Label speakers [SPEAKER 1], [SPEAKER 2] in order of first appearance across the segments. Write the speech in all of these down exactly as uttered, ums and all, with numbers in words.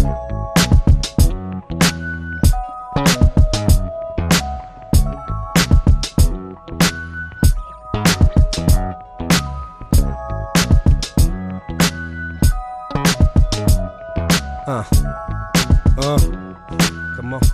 [SPEAKER 1] Uh. Uh. Come on.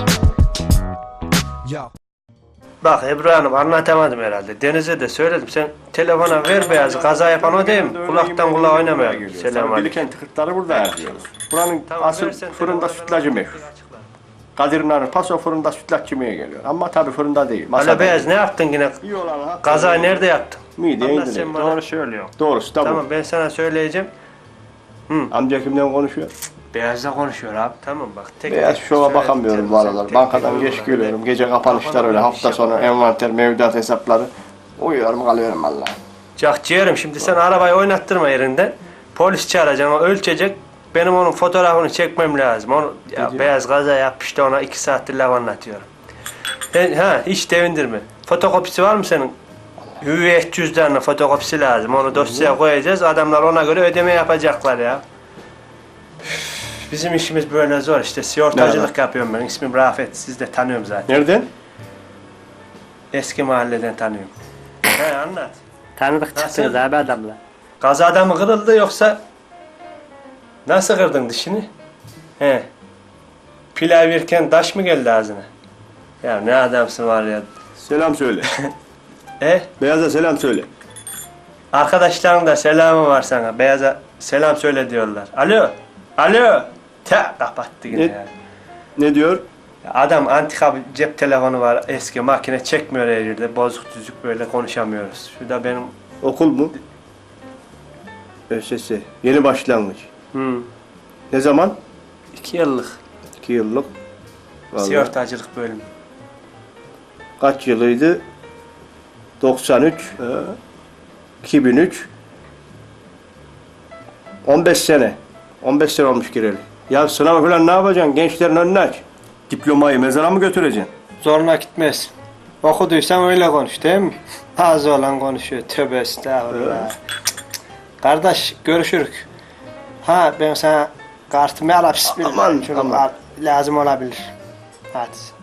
[SPEAKER 1] Yo.
[SPEAKER 2] Bak Ebru Hanım, anlatamadım herhalde. Deniz'e de söyledim. Sen telefona ver beyazı. Kaza yapan o değil mi? Kulaktan kulağa oynamayalım. Selam aleyküm.
[SPEAKER 3] Bilikent tıkırtları burada yapıyoruz. Buranın
[SPEAKER 2] Tamam,
[SPEAKER 3] asıl
[SPEAKER 2] versen
[SPEAKER 3] fırında
[SPEAKER 2] telefonu,
[SPEAKER 3] sütlacı
[SPEAKER 2] ben
[SPEAKER 3] meşhur.
[SPEAKER 2] açıklar.
[SPEAKER 3] Kadir Nar'ın paso fırında sütlaç yemeye geliyor. Ama tabii fırında değil.
[SPEAKER 2] Hala
[SPEAKER 3] Masada.
[SPEAKER 2] beyaz ne yaptın yine?
[SPEAKER 3] İyi olan ha.
[SPEAKER 2] Kazayı nerede yaptın?
[SPEAKER 3] Mideye
[SPEAKER 2] Anlat
[SPEAKER 3] indiriyor.
[SPEAKER 2] sen bana.
[SPEAKER 3] Doğru söylüyor. Doğrusu da bu.
[SPEAKER 2] Tamam, ben sana söyleyeceğim.
[SPEAKER 3] Amca kimden konuşuyor?
[SPEAKER 2] Beyaz'la konuşuyor abi. Tamam bak. Tek
[SPEAKER 3] Beyaz
[SPEAKER 2] tek
[SPEAKER 3] şova
[SPEAKER 2] söyle,
[SPEAKER 3] bakamıyorum
[SPEAKER 2] tek-
[SPEAKER 3] bu aralar.
[SPEAKER 2] tek-
[SPEAKER 3] Bankadan
[SPEAKER 2] tek-
[SPEAKER 3] geç geliyorum. Gece kapanışlar öyle. Hafta sonu envanter, mevduat hesapları. Uyuyorum kalıyorum vallahi.
[SPEAKER 2] Cak ciğerim, şimdi sen arabayı oynattırma yerinden. Polis çağıracaksın, o ölçecek. Benim onun fotoğrafını çekmem lazım. Onu, ya
[SPEAKER 3] diyor?
[SPEAKER 2] beyaz kaza yapmış da ona iki saattir laf anlatıyorum. Ben, ha hiç devindirme. Fotokopisi var mı senin? Hüviyet cüzdanına fotokopisi lazım. Onu dosyaya koyacağız. Adamlar ona göre ödeme yapacaklar ya. Üf, bizim işimiz böyle zor işte. Sigortacılık
[SPEAKER 3] Nerede?
[SPEAKER 2] yapıyorum ben. İsmim Rafet. Siz de tanıyorum zaten.
[SPEAKER 3] Nereden?
[SPEAKER 2] Eski mahalleden tanıyorum. He anlat.
[SPEAKER 4] Tanıdık çıktınız
[SPEAKER 2] Nasıl?
[SPEAKER 4] abi adamla.
[SPEAKER 2] Kazada mı kırıldı yoksa nasıl kırdın dişini? He. Pilav yerken taş mı geldi ağzına? Ya ne adamsın var ya.
[SPEAKER 3] Selam söyle.
[SPEAKER 2] E?
[SPEAKER 3] Beyaz'a selam söyle.
[SPEAKER 2] Arkadaşların da selamı var sana. Beyaza selam söyle diyorlar. Alo. Alo. Te kapattı yine
[SPEAKER 3] Ne?
[SPEAKER 2] ya.
[SPEAKER 3] Ne diyor?
[SPEAKER 2] Adam antika bir cep telefonu var. Eski makine çekmiyor her yerde. Bozuk düzük böyle konuşamıyoruz. Şurada benim...
[SPEAKER 3] Okul mu? ÖSS. Yeni başlangıç.
[SPEAKER 2] Hmm.
[SPEAKER 3] Ne zaman?
[SPEAKER 2] iki yıllık
[SPEAKER 3] İki yıllık. Vallahi.
[SPEAKER 2] sigortacılık bölümü.
[SPEAKER 3] Kaç yılıydı? doksan üç. He. iki bin üç. on beş sene. on beş sene olmuş gireli. Ya sınav falan ne yapacaksın? Gençlerin önünü aç. Diplomayı mezara mı götüreceksin?
[SPEAKER 2] Zoruna gitmez. Okuduysan öyle konuş değil mi? Ağzı olan konuşuyor. Tövbe estağfurullah. Kardeş görüşürük. Ha ben sana kartımı alıp bismillah.
[SPEAKER 3] Aman,
[SPEAKER 2] Şunu
[SPEAKER 3] aman.
[SPEAKER 2] al, lazım olabilir. Hadi.